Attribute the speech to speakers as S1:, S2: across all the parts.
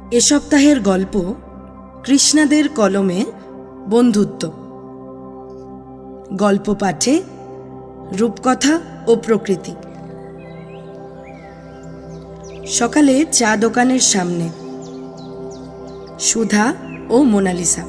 S1: এ সপ্তাহের গল্প কৃষ্ণাদের কলমে বন্ধুত্ব। গল্প পাঠে রূপকথা ও প্রকৃতি। সকালে চা দোকানের সামনে সুধা ও মোনালিসা।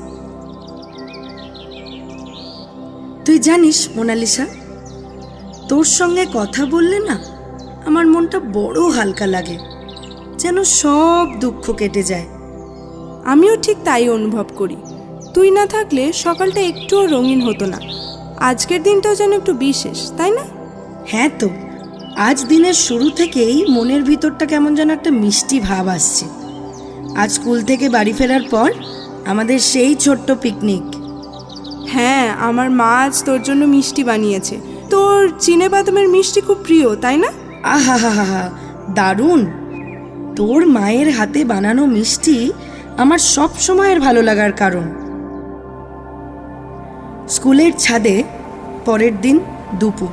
S1: তুই জানিস মোনালিসা, তোর সঙ্গে কথা বললে না আমার মনটা বড় হালকা লাগে, যেন সব দুঃখ কেটে যায়।
S2: আমিও ঠিক তাই অনুভব করি। তুই না থাকলে সকালটা একটুও রঙিন হতো না। আজকের দিনটাও যেন একটু বিশেষ, তাই না?
S1: হ্যাঁ তো, আজ দিনের শুরু থেকেই মনের ভিতরটা কেমন যেন একটা মিষ্টি ভাব আসছে। আজ স্কুল থেকে বাড়ি ফেরার পর আমাদের সেই ছোট্ট পিকনিক।
S2: হ্যাঁ, আমার মা আজ তোর জন্য মিষ্টি বানিয়েছে। তোর চিনে বাদামের মিষ্টি খুব প্রিয়, তাই না?
S1: আহা হা হা হা, দারুণ! তোর মায়ের হাতে বানানো মিষ্টি আমার সব সময়ের ভালো লাগার কারণ। স্কুলের ছাদে পরের দিন দুপুর।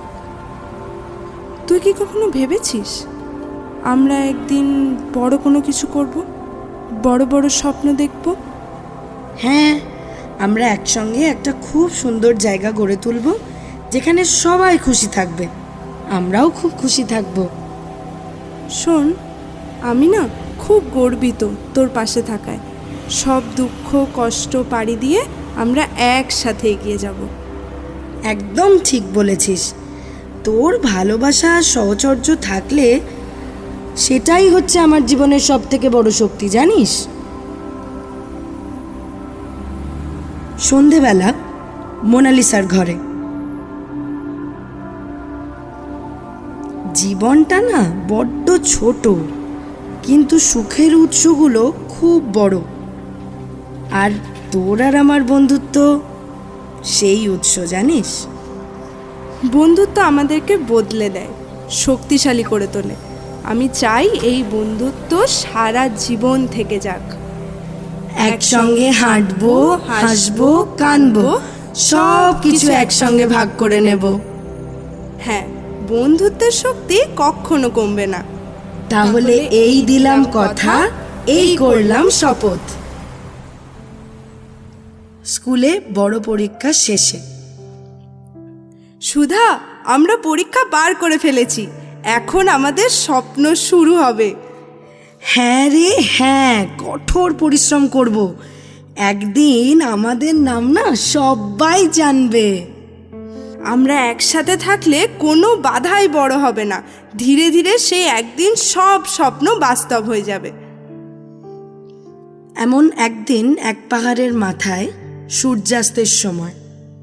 S2: তুই কি কখনো ভেবেছিস আমরা একদিন বড় কোনো কিছু করব, বড় বড় স্বপ্ন দেখব?
S1: হ্যাঁ, আমরা একসঙ্গে একটা খুব সুন্দর জায়গা গড়ে তুলব, যেখানে সবাই খুশি থাকবে, আমরাও খুব খুশি থাকব।
S2: শোন, আমি না খুব গর্বিত তোর পাশে থাকায়। সব দুঃখ কষ্ট পাড়ি দিয়ে আমরা একসাথে এগিয়ে যাব।
S1: একদম ঠিক বলেছিস। তোর ভালোবাসা আর সহচর্য থাকলে সেটাই হচ্ছে আমার জীবনের সব থেকে বড় শক্তি, জানিস? সন্ধেবেলা মোনালিসার ঘরে। জীবনটা না বড্ড ছোট, কিন্তু সুখের উৎসগুলো খুব বড়। আর তোর আর আমার বন্ধুত্ব সেই উৎস, জানিস?
S2: বন্ধুত্ব আমাদেরকে বদলে দেয়, শক্তিশালী করে তোলে। আমি চাই এই বন্ধুত্ব সারা জীবন থেকে যাক।
S1: একসঙ্গে হাঁটবো, হাসবো, কাঁদবো, সব কিছু একসঙ্গে ভাগ করে নেব।
S2: হ্যাঁ, বন্ধুত্বের শক্তি কখনো কমবে না।
S1: তাহলে এই দিলাম কথা, এই করলাম শপথ। স্কুলে বড় পরীক্ষা শেষে।
S2: সুধা, আমরা পরীক্ষা পার করে ফেলেছি। এখন আমাদের স্বপ্ন শুরু হবে।
S1: হ্যাঁ রে হ্যাঁ, কঠোর পরিশ্রম করব। একদিন আমাদের নাম না সবাই জানবে।
S2: আমরা একসাথে থাকলে কোনো বাধাই বড় হবে না। ধীরে ধীরে সেই একদিন সব স্বপ্ন বাস্তব হয়ে যাবে।
S1: এমন একদিন এক পাহাড়ের মাথায় সূর্যাস্তের সময়।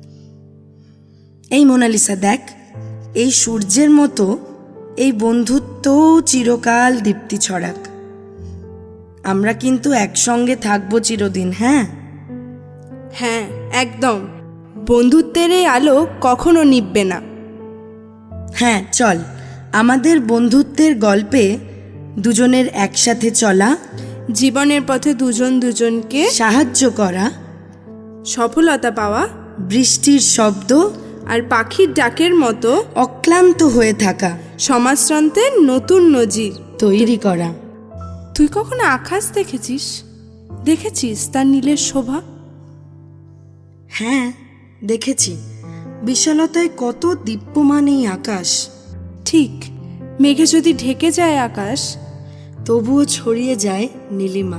S1: এই মোনালিসা দেখ, এই সূর্যের মতো এই বন্ধুত্ব চিরকাল দীপ্তি ছড়াক। আমরা কিন্তু একসঙ্গে থাকবো চিরদিন। হ্যাঁ
S2: হ্যাঁ, একদম। বন্ধুত্বের এই আলো কখনো নিভবে না।
S1: হ্যাঁ, চল আমাদের বন্ধুত্বের গল্পে দুজনের একসাথে চলা,
S2: জীবনের পথে দুজন দুজনকে
S1: সাহায্য করা,
S2: সফলতা পাওয়া,
S1: বৃষ্টির শব্দ
S2: আর পাখির ডাকের মতো
S1: অক্লান্ত হয়ে থাকা
S2: সমাজতন্ত্রের নতুন নজির
S1: তৈরি করা।
S2: তুই কখনো আকাশ দেখেছিস? দেখেছিস তার নীলের শোভা?
S1: হ্যাঁ, দেখেছি। বিশালতায় কত দীপ্যমান এই আকাশ।
S2: ঠিক, মেঘে যদি ঢেকে যায় আকাশ,
S1: তবুও ছড়িয়ে যায় নীলিমা।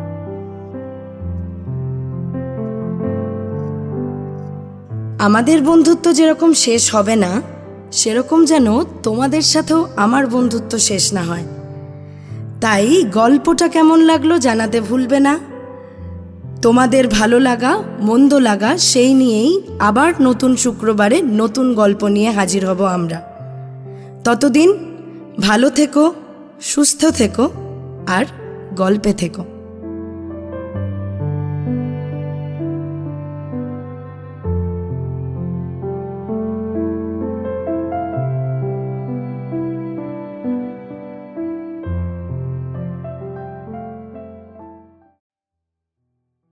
S1: আমাদের বন্ধুত্ব যেরকম শেষ হবে না, সেরকম যেন তোমাদের সাথেও আমার বন্ধুত্ব শেষ না হয়। তাই গল্পটা কেমন লাগলো জানাতে ভুলবে না। তোমাদের ভালো লাগা মন্দ লাগা সেই নিয়েই আবার নতুন শুক্রবারে নতুন গল্প নিয়ে হাজির হব আমরা। ততদিন ভালো থেকো, সুস্থ থেকো আর গল্পে থেকো।